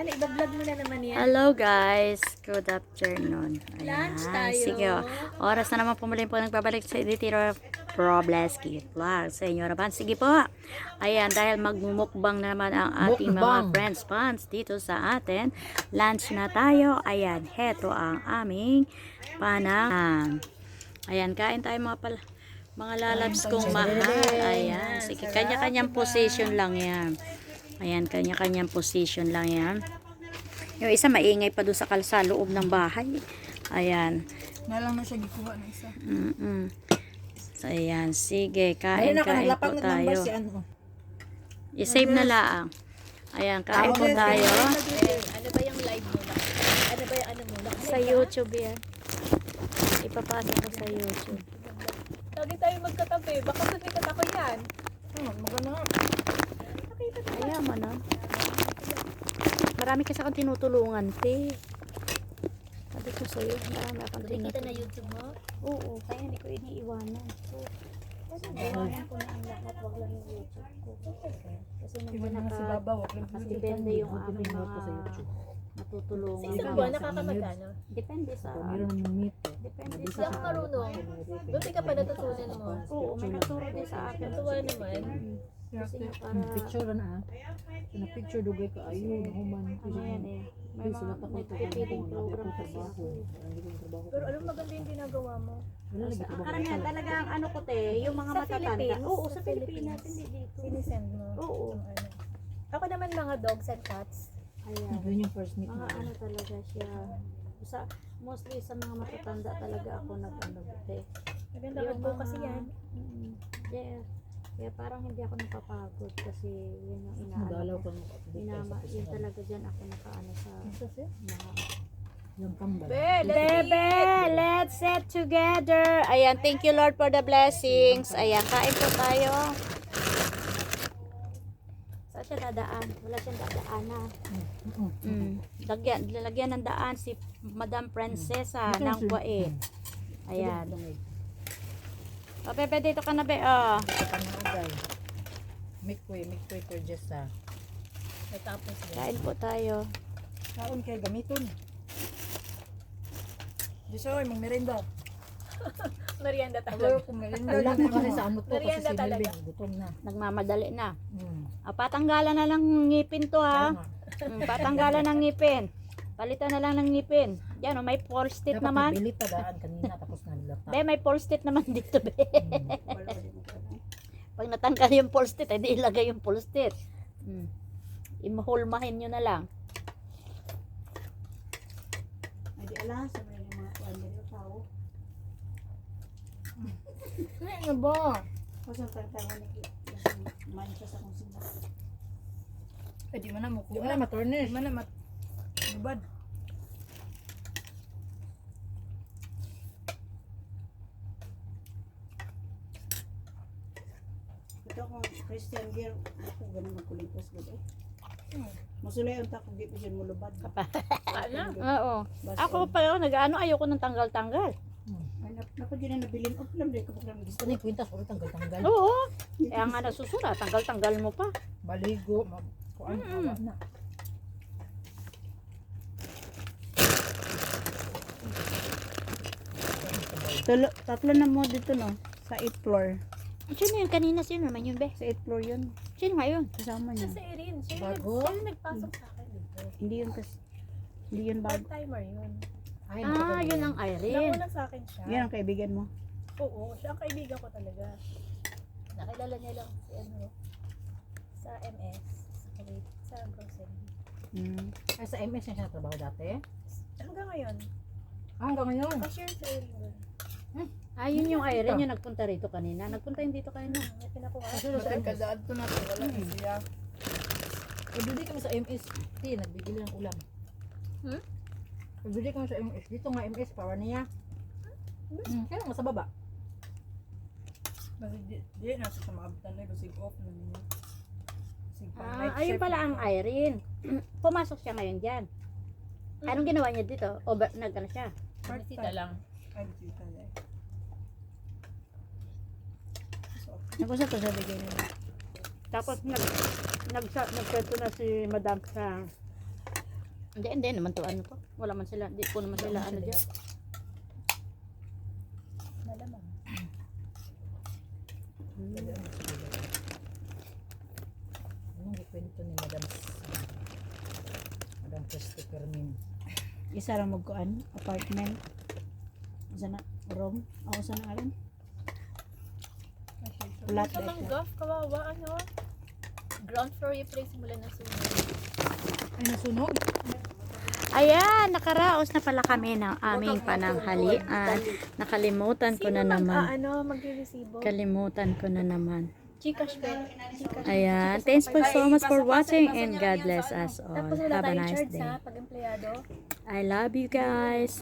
i-vlog mo na naman yan. Hello guys, good afternoon. Ayan, Lunch tayo. sige, oras na naman pumuli po nagbabalik sa Editiro Probleski Vlog sa inyo naman. Sige po. Ayan, dahil magmumukbang na naman ang ating mga friends fans dito sa atin. Lunch na tayo. Ayan, heto ang aming panang. Ayan, kain tayo mga lalabs kong mahal. Ayan, sige, kanya-kanyang position lang yan. Ayan, kanya-kanyang position lang yan. Yung isa maingay pa doon sa loob ng bahay. Ayan. Nalang na siya gikuha ng isa. So, ayan. Sige, kain po tayo. Si ano. I-save na lang. Ayan, kain po tayo. Ano ba yung live mo? Ano ba yung ano mo? Sa YouTube yan. Ipapasa ko sa YouTube. Lagi tayo magkatabi. Baka sumikat ako yan. Maganda. Ayan mo na. Marami kasi akong tinutulungan, te. Sabi ko sa'yo, marami akong Nakikita na tinutulungan. YouTube mo? Oo, kaya hindi ko iniiwanan. Kasi iwanan ko na ang lahat, wag lang yung YouTube ko. Kasi mas depende yung aming mga matutulungan. Sa isang buwan, nakakamagano? Depende sa Depende Hindi sa ako marunong. Buti ka pa natutunan mo. Oo, may nagturo din sa akin. Natuwa naman. Kasi nga para Picture na na picture dugay ka ayun human. ano yan eh. May mga nagpipiling program kasi ako. Pero alam maganda yung ginagawa mo. Ang karamihan talaga ang ano ko te, yung mga Sa matatanda. Philippines? Oo, sa Pilipinas, hindi dito. Sinisend mo. Oo. Yung ano. Ako naman mga dogs and cats. Ayan. Yun yung first meet Mga mo. ano talaga siya. Mostly sa mga matatanda talaga ako nag-ano te. Maganda ka po kasi yan. Yeah. Kaya parang hindi ako napapagod kasi yun yung Madalaw inaano ko. ka Yun talaga dyan ako nakaano sa mga yung pambal. Bebe, let's sit together. Ayan, thank you Lord for the blessings. Ayan, kain po tayo. Saan siya dadaan? Wala siyang dadaanan. Lalagyan ng daan si Madam Princesa ng Kuwait. Ayan. O, Bebe, dito ka na, Be. Oh. Mikwe per jessa. Natapos yan. Kain po tayo. Kaon kay gamiton. Disoy, mong merenda. Merienda Hello, talaga. kung merenda lang kasi sa ano to kasi Merienda si talaga. Melvin gutom na. Nagmamadali na. Patanggalan na lang ngipin to, ha. Patanggalan ng ngipin. Palitan na lang ng ngipin. Yan, may false teeth naman. Dapat nabilit daan kanina tapos nalilata. Be, may false teeth naman dito, Be. Pag natanggal yung false teeth, hindi ilagay yung false teeth. Imahulmahin nyo na lang. Hindi alam sa mga kuwan nila tao. Ano ba? Kasi ang tawag ni mancha sa kung sino. Eh di man na mo kuha. Di man na maturnish. Di man na matubad. Ito kung Christian gear, ako ganun magkulipas gud eh. Masulay unta kung di pa siya mulubad. Ano? Oo. Ako pa yun, nag-ano, ayoko ng tanggal-tanggal. Ay napad yun na nabilin. O lang din ko lang Gusto ni kwintas ulit tanggal-tanggal. Oo. Kaya nga nagsusura, tanggal-tanggal mo pa. Baligo, kuan na. Tatlo na mo dito no sa 8th floor. Sino yun? Kanina sino naman yun, Be? Sa 8th floor yun. Sino nga yun? Kasama niya. Kasi Erin, siya Bago? yung nagpasok sa akin dito. Hindi yun kasi hindi yun bago. Part-timer yun. Ay, Yun ang Irene. Nauna sa akin siya. Yan ang kaibigan mo. Oo, siya ang kaibigan ko talaga. Nakilala niya lang si ano, sa MS, sa Kuwait, sa grocery. Ay, sa MS na siya natrabaho dati? Hanggang ngayon, Hanggang ngayon. cashier sa Erin. Yun yung Irene, yung nagpunta rito kanina. Nagpunta yun dito kanina. May pinakuha. Sa kadaan to natin, wala na siya. Pabili kami sa MS. Nagbibili ng ulam. Pabili kami sa MS. Dito nga MS, power niya. Kaya nga sa baba. Kasi di nasa sa maabtan na kasi off na niya. Ayun pala ang Irene. Pumasok siya ngayon dyan. Anong ginawa niya dito? O nag-ano siya? Bisita lang. Ay, bisita na eh. Nag-usap ko sa bigay nila. Tapos nagkwento na si Madam sa Hindi naman to ano to. Wala man sila, di po naman sila ano dyan. Malamang. Anong gikwento ni Madam Christopher Min? Isa ra magkuan, apartment. Isa na room. Ako sa alam. Flat Sa mangga, kawawa, ano? Ground floor yung place mula na sunog. Ay, nasunog. Ayan, nakaraos na pala kami ng aming pananghalian. Nakalimutan ko na naman. Magre-resibo? Kalimutan ko na naman. Gcash pe. Gcash. Ayan, thanks for so much for watching and God bless us all. Tapos wala Have a tayong nice charge day. sa pag-empleyado. I love you guys.